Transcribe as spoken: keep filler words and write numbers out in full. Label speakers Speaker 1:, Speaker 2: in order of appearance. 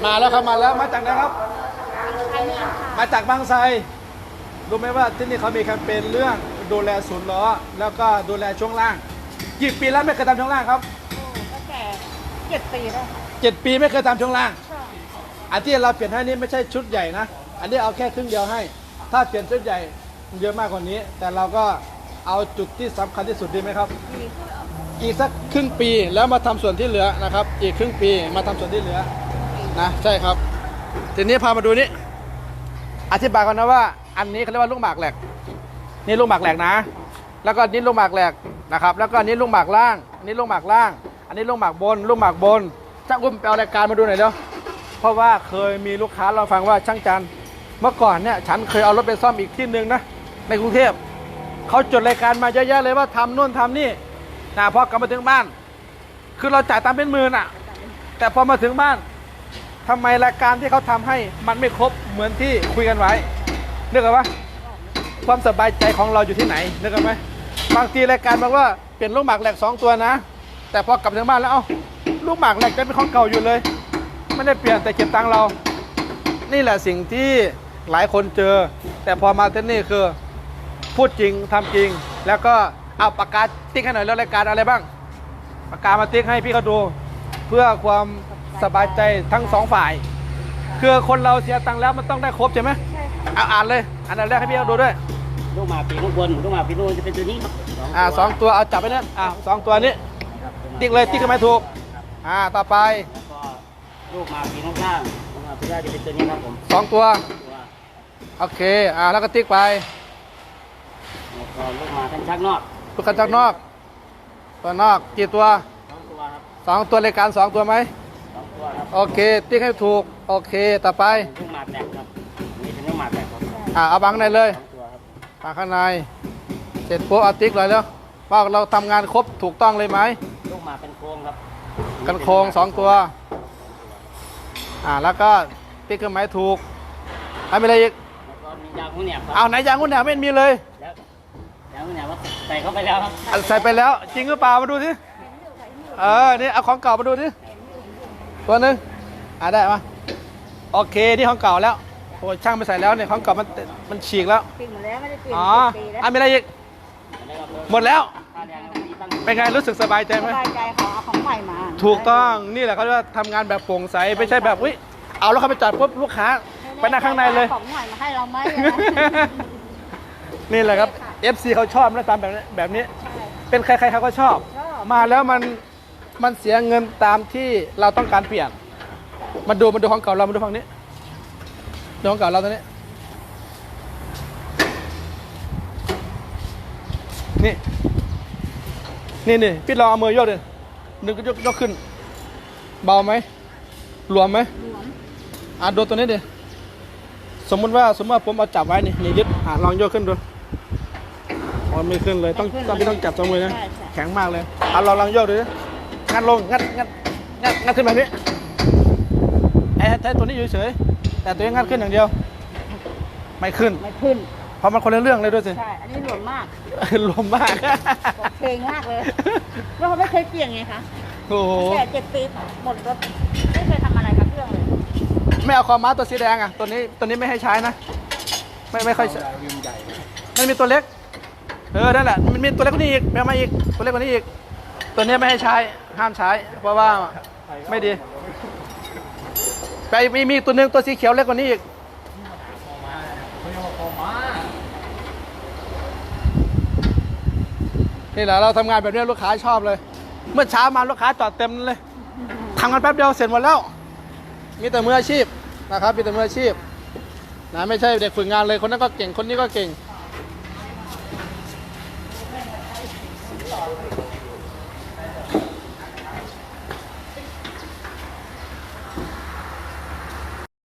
Speaker 1: มาแล้วครับมาแล้วมาจากไหนครับมาจากบางไทรรู้ไหมว่าที่นี่เขามีแคมเปญเรื่องดูแลศูนย์ล้อแล้วก็ดูแลช่วงล่างกี่ปีแล้วไม่เคยทำช่วงล่างครับ
Speaker 2: ตั้งแต่เจ็ดปีแล้ว
Speaker 1: เจ็ดปีไม่เคยทำช่วงล่างอันที่เราเปลี่ยนให้นี่ไม่ใช่ชุดใหญ่นะอันนี้เอาแค่ครึ่งเดียวให้ถ้าเปลี่ยนชุดใหญ่เยอะมากกว่านี้แต่เราก็เอาจุดที่สำคัญที่สุดดีไหมครับอีกสักครึ่งปีแล้วมาทำส่วนที่เหลือนะครับอีกครึ่งปีมาทำส่วนที่เหลือนะใช่ครับทีนี้พามาดูนี่อธิบายกันนะว่าอันนี้เขาเรียกว่าลูกหมากแหลกนี่ลูกหมากแหลกนะแล้วก็นี่ลูกหมากแหลกนะครับแล้วก็นี่ลูกหมากล่างอันนี้ลูกหมากล่างอันนี้ลูกหมากบนลูกหมากบนช่างอุ้มไปเอารายการมาดูหน่อยเดี๋ยวเพราะว่าเคยมีลูกค้าเราฟังว่าช่างจันเมื่อก่อนเนี่ยฉันเคยเอารถไปซ่อมอีกที่หนึ่งนะในกรุงเทพเขาจดรายการมาเยอะแยะเลยว่าทำนู่นทำนี่นะพอกลับมาถึงบ้านคือเราจ่ายตามเป็นหมื่นอ่ะแต่พอมาถึงบ้านทำไมรายการที่เขาทำให้มันไม่ครบเหมือนที่คุยกันไว้นึกออกปะความสบายใจของเราอยู่ที่ไหนนึกออกไหมบางทีรายการบอกว่าเปลี่ยนลูกหมากแหลกสองตัวนะแต่พอกลับถึงบ้านแล้วเอ้าลูกหมากแหลกจะเป็นของเก่าอยู่เลยไม่ได้เปลี่ยนแต่เก็บตังค์เรานี่แหละสิ่งที่หลายคนเจอแต่พอมาที่นี่คือพูดจริงทำจริงแล้วก็เอาปากกาติ๊กให้หน่อยแล้วรายการอะไรบ้างปากกามาติ๊กให้พี่เขาดูเพื่อความสบายใจทั้งสองฝ่ายคือคนเราเสียตังค์แล้วมันต้องได้ครบใช่ไหมเอาอ่านเลยอันดับแรกให้พี่เขาดูด้วย
Speaker 3: ลูกหมาปีลูกบนลูกหมาปีลูกจะเป็นตัวนี้ครับ
Speaker 1: อ่าสองตัวเอาจับไปเนี่ยอ่าสองตัวนี้ติ๊กเลยติ๊กขึ้นมาถูกอ่าต่อไป
Speaker 3: แล้วก็ลูกหมาปีลูกข้างลูกหมาปีล่างจะเป็นตัวนี้ครับผม
Speaker 1: สองตัวโอเคอ่าแล้วก็ติ๊กไป
Speaker 3: แล้วก็ลูกหมากันชักนอก
Speaker 1: ลูกกันชักนอกตัวนอกกี่ตัว
Speaker 3: สองตัวครับ
Speaker 1: สองตัวรายการสองตัวไหม
Speaker 3: สองตัวครับ
Speaker 1: โอเคติ๊กให้ถูกโอเคต่อไป
Speaker 3: ลูกหมาแตกครับนี่เป็นลูกหมาแตกครับ
Speaker 1: อ่าเอาบังในเลย
Speaker 3: สองตัวครับ
Speaker 1: บังข้างในเสร็จปุ๊บเอาติ๊กเลยแล้วว่าเราทำงานครบถูกต้องเลยไหม
Speaker 3: ลูกหมาเป็นโครงครับ
Speaker 1: กันโครงสองตัวอ่าแล้วก็ติ๊กเครื่องหมายถูกทำอะไรอีก
Speaker 3: แล้วก็มียางหุ้นแหนบครับ
Speaker 1: เอาไหนยางหุ้นแหนบไม่มีเลย
Speaker 3: แล้วยางหุ้นแหนบว่าใส่เข้าไปแล้วครับ
Speaker 1: ใส่ไปแล้วจริงหรือเปล่ามาดูสิเออนี่เอาของเก่ามาดูสิตัวหนึ่งอ่าได้ปะโอเคนี่ของเก่าแล้วโอ้ช่างไปใส่แล้วเนี่ยของเก่ามันมันฉีกแล้ว
Speaker 2: ปิดหมดแล้วไม่ได้เปลี่ยน
Speaker 1: อ๋อ
Speaker 2: ปีแล้ว
Speaker 1: อ่ะมีอะไรอีกหมดแล้วเป็นไงรู้สึกสบายใจไหม
Speaker 2: สบายใจขอเอาของใหม่มา
Speaker 1: ถูกต้องนี่แหละเขาเรียกว่าทำงานแบบโปร่งใสไม่ใช่แบบวิเอาแล้วเขาไปจอดปุ๊บลูกค้าไปนั่งข้างในเลย
Speaker 2: ของใหม่มาให้เราไหม
Speaker 1: นี่แหละครับ เอฟ ซี เขาชอบนะตามแบบนี้แบบนี้เป็นใครๆเขาก็ชอบมาแล้วมันมันเสียเงินตามที่เราต้องการเปลี่ยนมาดูมาดูของเก่าเรามาดูฝั่งนี้ดูของเก่าเราตัวนี้นี่นี่นี่พี่ลองเอามือยกเลยนึกยกยกขึ้นเบาไหมหลวมไหมหลวมอ่ะดูตัวนี้ดิสมมติว่าสมมติว่าผมเอาจับไว้นี่นี่ยึดอ่ะลองยกขึ้นดูมันไม่ขึ้นเลยต้องต้องพี่ต้องจับสองมือนะแข็งมากเลยอ่ะลองลองยกดูดิงัดลงงัดงัดงัดงัดขึ้นแบบนี้ไอ้ไอ้ตัวนี้อยู่เฉยแต่ตัวนี้งัดขึ้นอย่างเดียวไม่ขึ้น
Speaker 2: ไม่ขึ้น
Speaker 1: เพราะมันคนละเรื่องเลยด้วยสิ
Speaker 2: ใช่อันนี้หลวมมาก
Speaker 1: หลวมมาก
Speaker 2: เพลงมากเลยเพราะเขาไม่เคยเปลี่ยนไงคะ
Speaker 1: โอ้โห
Speaker 2: แต่เจ็ดปีหมดรถไม่เคยทำอะไรกับเครื่องเลย
Speaker 1: ไม่เอาคอม้าตัวสีแดงอ่ะตัวนี้ตัวนี้ไม่ให้ใช้นะไม่ไม่ค่อยมันมีตัวเล็กเออนั่นแหละมันมีตัวเล็กกว่านี้อีกแม่มาอีกตัวเล็กกว่านี้อีกตัวนี้ไม่ให้ใช้ห้ามใช้เพราะว่าไม่ดีไปมีมีตัวหนึ่งตัวสีเขียวเล็กกว่านี้อีกนี่แหละเราทำงานแบบนี้ลูกค้าชอบเลยเมื่อเช้ามาลูกค้าจอดเต็มเลยทำกันแป๊บเดียวเสร็จหมดแล้วมีแต่มืออาชีพนะครับมีแต่มืออาชีพนะไม่ใช่เด็กฝึกงานเลยคนนั้นก็เก่งคนนี้ก็เก่ง